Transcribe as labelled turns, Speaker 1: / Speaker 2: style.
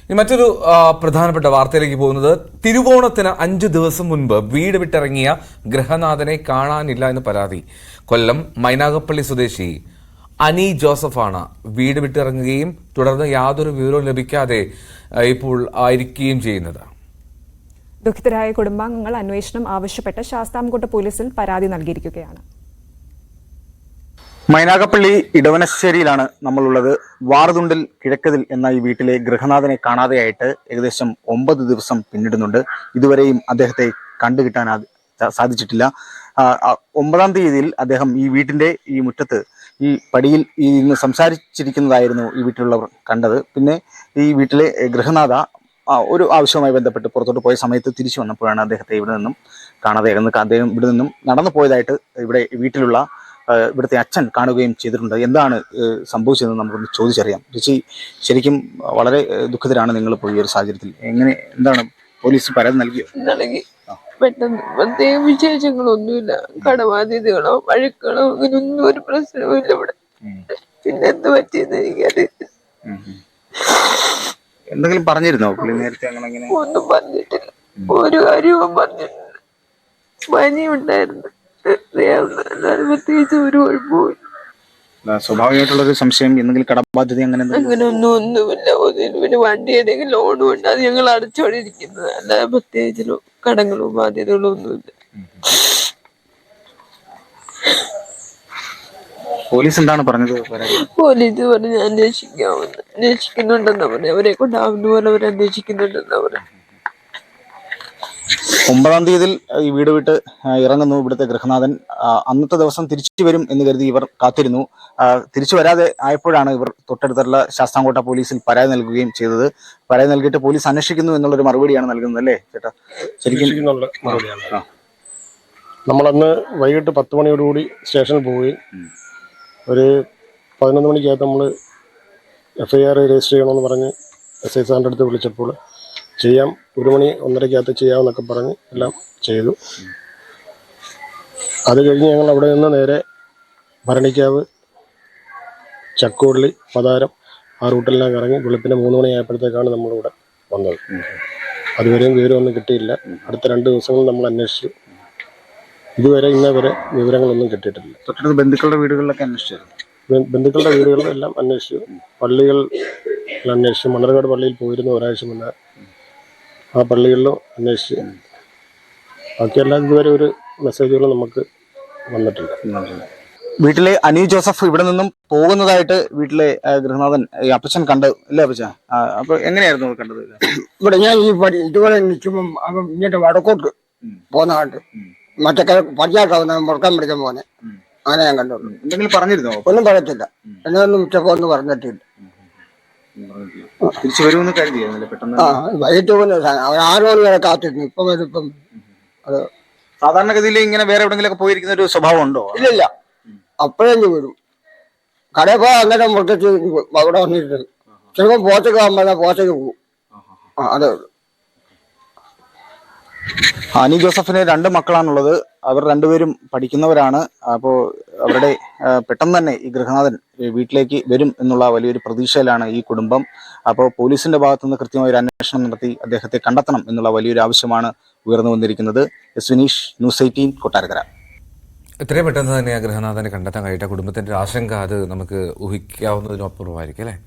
Speaker 1: മറ്റൊരു പ്രധാനപ്പെട്ട വാർത്തയിലേക്ക് പോകുന്നത് തിരുവോണത്തിന് 5 ദിവസം മുൻപ് വീട് വിട്ടിറങ്ങിയ ഗൃഹനാഥനെ കാണാനില്ല എന്ന് പരാതി. കൊല്ലം മൈനാഗപ്പള്ളി സ്വദേശി അനി ജോസഫാണ് വീട് വിട്ടിറങ്ങുകയും തുടർന്ന് യാതൊരു വിവരവും ലഭിക്കാതെ ഇപ്പോൾ ആയിരിക്കുകയും ചെയ്യുന്നത്.
Speaker 2: ദുഃഖിതരായ കുടുംബാംഗങ്ങൾ അന്വേഷണം ആവശ്യപ്പെട്ട് ശാസ്താംകോട്ട പോലീസിൽ പരാതി നൽകിയിരിക്കുകയാണ്.
Speaker 3: മൈനാഗപ്പള്ളി ഇടവനശ്ശേരിയിലാണ് നമ്മളുള്ളത്. വാറുതുണ്ടിൽ കിഴക്കതിൽ എന്ന ഈ വീട്ടിലെ ഗൃഹനാഥനെ കാണാതെയായിട്ട് ഏകദേശം 9 ദിവസം പിന്നിടുന്നുണ്ട്. ഇതുവരെയും അദ്ദേഹത്തെ കണ്ടുകിട്ടാൻ സാധിച്ചിട്ടില്ല. 9-ാം തീയതിയിൽ അദ്ദേഹം ഈ വീട്ടിന്റെ ഈ മുറ്റത്ത് ഈ പടിയിൽ ഇന്ന് സംസാരിച്ചിരിക്കുന്നതായിരുന്നു ഈ വീട്ടിലുള്ളവർ കണ്ടത്. പിന്നെ ഈ വീട്ടിലെ ഗൃഹനാഥ ഒരു ആവശ്യവുമായി ബന്ധപ്പെട്ട് പുറത്തോട്ട് പോയ സമയത്ത് തിരിച്ചു വന്നപ്പോഴാണ് അദ്ദേഹത്തെ ഇവിടെ നിന്നും കാണാതെ. അദ്ദേഹം ഇവിടെ നിന്നും നടന്നു പോയതായിട്ട് ഇവിടെ വീട്ടിലുള്ള ഇവിടുത്തെ അച്ഛൻ കാണുകയും ചെയ്തിട്ടുണ്ട്. എന്താണ് സംഭവിച്ചതെന്ന് നമുക്കൊന്ന് ചോദിച്ചറിയാം. ചേച്ചി, ശരിക്കും വളരെ ദുഃഖിതരാണ് നിങ്ങളിപ്പോൾ ഈ ഒരു സാഹചര്യത്തിൽ. എന്താണ് പോലീസ് പരാതി നൽകിയോ?
Speaker 4: നൽകി. പെട്ടെന്ന് പ്രത്യേക വിശേഷങ്ങളൊന്നുമില്ല. കടബാധ്യതകളോ വഴക്കുകളോ അങ്ങനെയൊന്നും ഒരു പ്രശ്നവും ഇല്ല ഇവിടെ. പിന്നെ എന്ത് പറ്റിയെന്ന് എനിക്കറിയില്ല.
Speaker 3: എന്തെങ്കിലും പറഞ്ഞിരുന്നോ നേരത്തെ?
Speaker 4: ഒന്നും പറഞ്ഞിട്ടില്ല, ഒരു കാര്യവും പറഞ്ഞിട്ടില്ല. പനി ഉണ്ടായിരുന്നു, പ്രത്യേകിച്ച് ഒരു കുഴപ്പമില്ല.
Speaker 3: സ്വാഭാവികമായിട്ടുള്ളൊരു സംശയം, എന്തെങ്കിലും കടബാധ്യത
Speaker 4: ഒന്നുമില്ല. പിന്നെ വണ്ടി ഏതെങ്കിലും ലോണും ഉണ്ട്, അത് ഞങ്ങൾ അടച്ചോണ്ടിരിക്കുന്നത്. അല്ലാതെ പ്രത്യേകിച്ച് കടങ്ങളും ബാധ്യതകളും ഒന്നുമില്ല.
Speaker 3: പോലീസ് എന്താണ് പറഞ്ഞത്?
Speaker 4: പോലീസ് പറഞ്ഞ് അന്വേഷിക്കുന്നുണ്ടെന്നാ പറഞ്ഞു. അവരെ കൊണ്ടാവുന്ന പോലെ അവർ അന്വേഷിക്കുന്നുണ്ടെന്നാ പറഞ്ഞു.
Speaker 3: 9-ാം തീയതിയിൽ ഈ വീട് വിട്ട് ഇറങ്ങുന്നു ഇവിടുത്തെ ഗൃഹനാഥൻ. അന്നത്തെ ദിവസം തിരിച്ചു വരും എന്ന് കരുതി ഇവർ കാത്തിരുന്നു. തിരിച്ചു വരാതെ ആയപ്പോഴാണ് ഇവർ തൊട്ടടുത്തുള്ള ശാസ്താംകോട്ട പോലീസിൽ പരാതി നൽകുകയും ചെയ്തത്. പരാതി നൽകിയിട്ട് പോലീസ് അന്വേഷിക്കുന്നു എന്നുള്ളൊരു മറുപടിയാണ് നൽകുന്നത്, അല്ലേ ചേട്ടാ? ശരിക്കും
Speaker 5: നമ്മളന്ന് വൈകിട്ട് 10 മണിയോടുകൂടി സ്റ്റേഷനിൽ പോവുകയും ഒരു 11 മണിക്കകത്ത് നമ്മൾ FIR രജിസ്റ്റർ ചെയ്യണമെന്ന് പറഞ്ഞ് SI സാറിൻ്റെ അടുത്ത് വിളിച്ചപ്പോൾ ചെയ്യാം, 1 മണി 1:30 ചെയ്യാമെന്നൊക്കെ പറഞ്ഞ് എല്ലാം ചെയ്തു. അത് കഴിഞ്ഞ് ഞങ്ങൾ അവിടെ നിന്ന് നേരെ ഭരണിക്കാവ്, ചക്കോള്ളി, പതാരം ആ റൂട്ടിലെല്ലാം കറങ്ങി വെളുപ്പിന് 3 മണിയായപ്പോഴത്തേക്കാണ് നമ്മളിവിടെ വന്നത്. അതുവരെയും വിവരമൊന്നും കിട്ടിയില്ല. അടുത്ത 2 ദിവസങ്ങൾ നമ്മൾ അന്വേഷിച്ചു. ഇതുവരെ ഇന്നേവരെ വിവരങ്ങളൊന്നും കിട്ടിയിട്ടില്ല.
Speaker 3: തൊട്ടടുത്ത് ബന്ധുക്കളുടെ വീടുകളിലൊക്കെ അന്വേഷിച്ചു.
Speaker 5: ബന്ധുക്കളുടെ വീടുകളെല്ലാം അന്വേഷിച്ചു. പള്ളികൾ അന്വേഷിച്ചു. മണ്ണർകാട് പള്ളിയിൽ പോയിരുന്നു ഒരാഴ്ച മുന്നേ. ആ പള്ളികളിലും അന്വേഷിച്ച്. ബാക്കിയെല്ലാം ഇതുവരെ ഒരു മെസ്സേജുകളും നമുക്ക് വന്നിട്ടില്ല.
Speaker 3: വീട്ടിലെ അനി ജോസഫ് ഇവിടെ നിന്നും പോകുന്നതായിട്ട് വീട്ടിലെ ഗൃഹനാഥൻ ഈ അപ്പച്ചൻ കണ്ടു, ഇല്ലേ അപ്പച്ച? അപ്പൊ എങ്ങനെയായിരുന്നു കണ്ടത്?
Speaker 6: ഇവിടെ ഞാൻ ഈ ഇതുപോലെ നിൽക്കുമ്പം അവൻ ഇങ്ങോട്ട് വടക്കോട്ട് പോന്ന കണ്ട്, മറ്റേ പടിഞ്ഞാട്ടാവുന്ന മുറക്കാൻ പിടിക്കാൻ പോന്നെ. അങ്ങനെ ഞാൻ കണ്ടുള്ളൂ.
Speaker 3: എന്തെങ്കിലും പറഞ്ഞിരുന്നോ?
Speaker 6: ഒന്നും പറയത്തില്ല. എന്നൊന്നും ഉച്ചക്കൊന്നും പറഞ്ഞിട്ടില്ല.
Speaker 3: തിരിച്ചു വരുമെന്ന് കരുതിയായിരുന്നില്ല പെട്ടെന്ന്?
Speaker 6: വൈകിട്ട് പോകുന്ന അവൻ 6 മണി വരെ കാത്തിരുന്നു. ഇപ്പം വരും. അത്
Speaker 3: സാധാരണഗതിയിൽ ഇങ്ങനെ വേറെ എവിടെങ്കിലൊക്കെ പോയിരിക്കുന്ന ഒരു സ്വഭാവം ഉണ്ടോ?
Speaker 6: ഇല്ലില്ല. അപ്പോഴേഞ്ഞ് വരും. കടയിൽ പോയാൽ അന്നേരം മുട്ടച്ച് അവിടെ വന്നിട്ട് ചിലപ്പോൾ പോച്ചക്ക് ആകുമ്പോൾ പോച്ചക്ക് പോകും. അതേ ഉള്ളൂ.
Speaker 3: അനി ജോസഫിന് 2 മക്കളാണുള്ളത്. അവർ 2 പേരും പഠിക്കുന്നവരാണ്. അപ്പോൾ അവരുടെ പെട്ടെന്ന് തന്നെ ഈ ഗൃഹനാഥൻ വീട്ടിലേക്ക് വരും എന്നുള്ള വലിയൊരു പ്രതീക്ഷയിലാണ് ഈ കുടുംബം. അപ്പോൾ പോലീസിന്റെ ഭാഗത്തുനിന്ന് കൃത്യമായ ഒരു അന്വേഷണം നടത്തി അദ്ദേഹത്തെ കണ്ടെത്തണം എന്നുള്ള വലിയൊരു ആവശ്യമാണ് ഉയർന്നു വന്നിരിക്കുന്നത്. വിനീഷ്, ന്യൂസ് 18, കൊട്ടാരക്കര.
Speaker 1: എത്രയും പെട്ടെന്ന് തന്നെ ആ ഗൃഹനാഥനെ കണ്ടെത്താൻ കഴിയട്ടെ. കുടുംബത്തിന്റെ ആശങ്ക അത് നമുക്ക് ഊഹിക്കാവുന്നതിനപ്പുറമായിരിക്കും, അല്ലേ?